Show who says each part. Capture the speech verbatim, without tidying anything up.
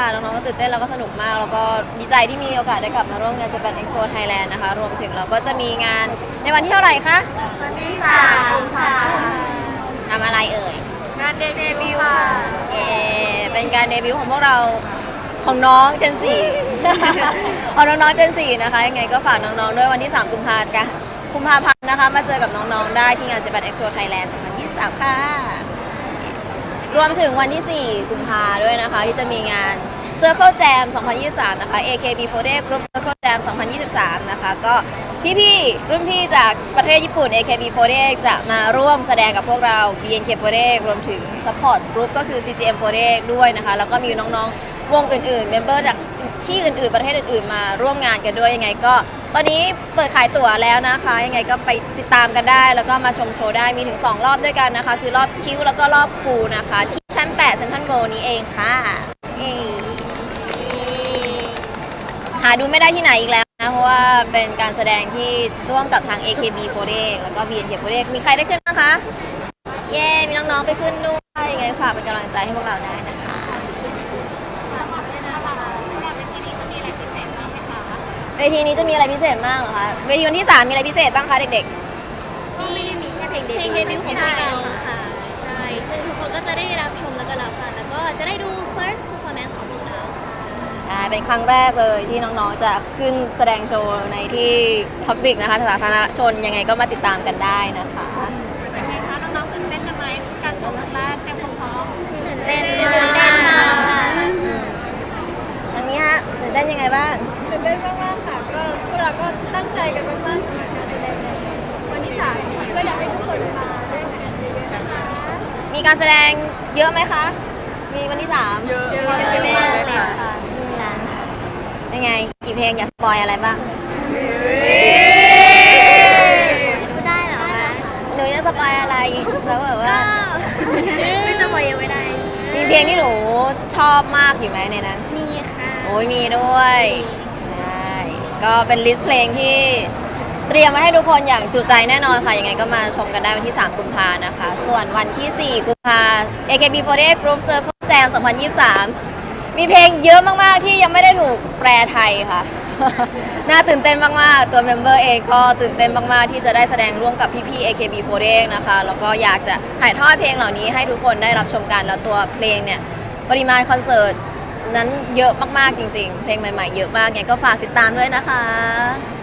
Speaker 1: น้องๆก็ตื่นเต้นแล้วก็สนุกมากแล้วก็ดีใจที่มีโอกาสได้กลับมาร่วมงาน Japan Expo Thailand นะคะรวมถึงเราก็จะมีงานในวันที่เท่าไหร่คะ
Speaker 2: วันที่สามค่ะ
Speaker 1: ทำอะไรเอ่ย
Speaker 2: งานเดบิวต์ค่ะ
Speaker 1: เย้เป็นการเดบิวต์ของพวกเราของน้องเจนสี่ ของน้องๆเจนสี่นะคะยังไงก็ฝากน้องๆด้วยวันที่สามกุมภาพันธ์กุมภาพันธ์นะคะมาเจอกับน้องๆได้ที่งาน Japan Expo Thailand สองพันยี่สิบสามค่ะรวมถึงวันที่สี่กุมภาด้วยนะคะที่จะมีงาน Circle Jam สองพันยี่สิบสามนะคะ เอ เค บี โฟร์ตี้ Group Circle Jam สองพันยี่สิบสามนะคะก็พี่ๆรุ่นพี่จากประเทศญี่ปุ่น เอ เค บี โฟร์ตี้ จะมาร่วมแสดงกับพวกเรา บี เอ็น เค โฟร์ตี้ รวมถึง Support Group ก็คือ ซี จี เอ็ม โฟร์ตี้ ด้วยนะคะแล้วก็มีน้องๆวงอื่นๆเมมเบอร์จากที่อื่นๆประเทศอื่นๆมาร่วมงานกันด้วยยังไงก็ตอนนี้เปิดขายตั๋วแล้วนะคะยังไงก็ไปติดตามกันได้แล้วก็มาชมโชว์ได้มีถึงสองรอบด้วยกันนะคะคือรอบคิวแล้วก็รอบคูลนะคะที่ชั้นแปดเซ็นทรัลเวิลด์นี้เองค่ะเย้หาดูไม่ได้ที่ไหนอีกแล้วนะเพราะว่าเป็นการแสดงที่ร่วมกับทาง เอ เค บี โฟร์ตี้ แล้วก็ บี เอ็น เค โฟร์ตี้ มีใครได้ขึ้นบ้างคะเย้มีน้องๆไปขึ้นด้วยยังไงฝากเป็นกำลังใจให้พวกเราได้นะคะเวทีนี้จะมีอะไรพิเศษมากเหรอคะเวทีวันที่สามมีอะไรพิเศษบ้างคะเด็ก
Speaker 2: ๆก็ไม่ได้มีแค่เพลงเดบิวต์
Speaker 3: เพลงเดบิวต์ของพวกเราค่ะใช่ซึ่งทุกคนก็จะได้รับชมแล้วก็รับฟังแล้วก็จะได้ดู first performance ของพวกเรา
Speaker 1: ๆอ่าเป็นครั้งแรกเลยที่น้องๆจะขึ้นแสดงโชว์ในที่ Public นะคะสาธารณชนยังไงก็มาติดตามกันได้นะคะ
Speaker 3: เป็นไงคะน้องๆตื่นเต้นกันไหมการชมครั้งแรกเต็มพร้อม
Speaker 2: ตื่นเต้น
Speaker 3: ตื่นเต้นมากค่ะ
Speaker 1: อันนี้ฮะตื่นเต้นยังไงบ้าง
Speaker 3: ตื่นเต้นมากๆค่ะก็พวกเราก็ตั้งใจกันมากๆสำหรับการแสดงในวันที่สามนี้ก็อยากให้ทุกคนมาร่วมกันเยอะๆนะคะ
Speaker 1: มีการแสดงเยอะไหมคะมีวันที่สาม
Speaker 2: เยอะ
Speaker 3: มากเลยค่ะ
Speaker 1: ยังไงกี่เพลงอยากสปอยอะไรบ้าง
Speaker 2: พูดได้เหรอคะ
Speaker 1: หนูจะสปอยอะไรแล้วแบบว่า
Speaker 2: ไม่สปอยยังไม่ได้
Speaker 1: มีเพลงที่หนูชอบมากอยู่ไหมในนั้น
Speaker 2: มีค่ะ
Speaker 1: โอ้ยมีด้วยใช่ก็เป็นลิสต์เพลงที่เตรียมไว้ให้ทุกคนอย่างจุใจแน่นอนค่ะยังไงก็มาชมกันได้วันที่สามกุมภานะคะส่วนวันที่สี่กุมภา เอ เค บี โฟร์ตี้ Group Circle Jam สองพันยี่สิบสามมีเพลงเยอะมากๆที่ยังไม่ได้ถูกแปลไทยค่ะ น่าตื่นเต้นมากๆตัวเมมเบอร์เองก็ตื่นเต้นมากๆที่จะได้แสดงร่วมกับพี่ๆ เอ เค บี โฟร์ตี้ นะคะแล้วก็อยากจะถ่ายทอดเพลงเหล่านี้ให้ทุกคนได้รับชมกันแล้วตัวเพลงเนี่ยปริมาณคอนเสิร์ตนั้นเยอะมากๆจริงๆเพลงใหม่ๆเยอะมากไงก็ฝากติดตามด้วยนะคะ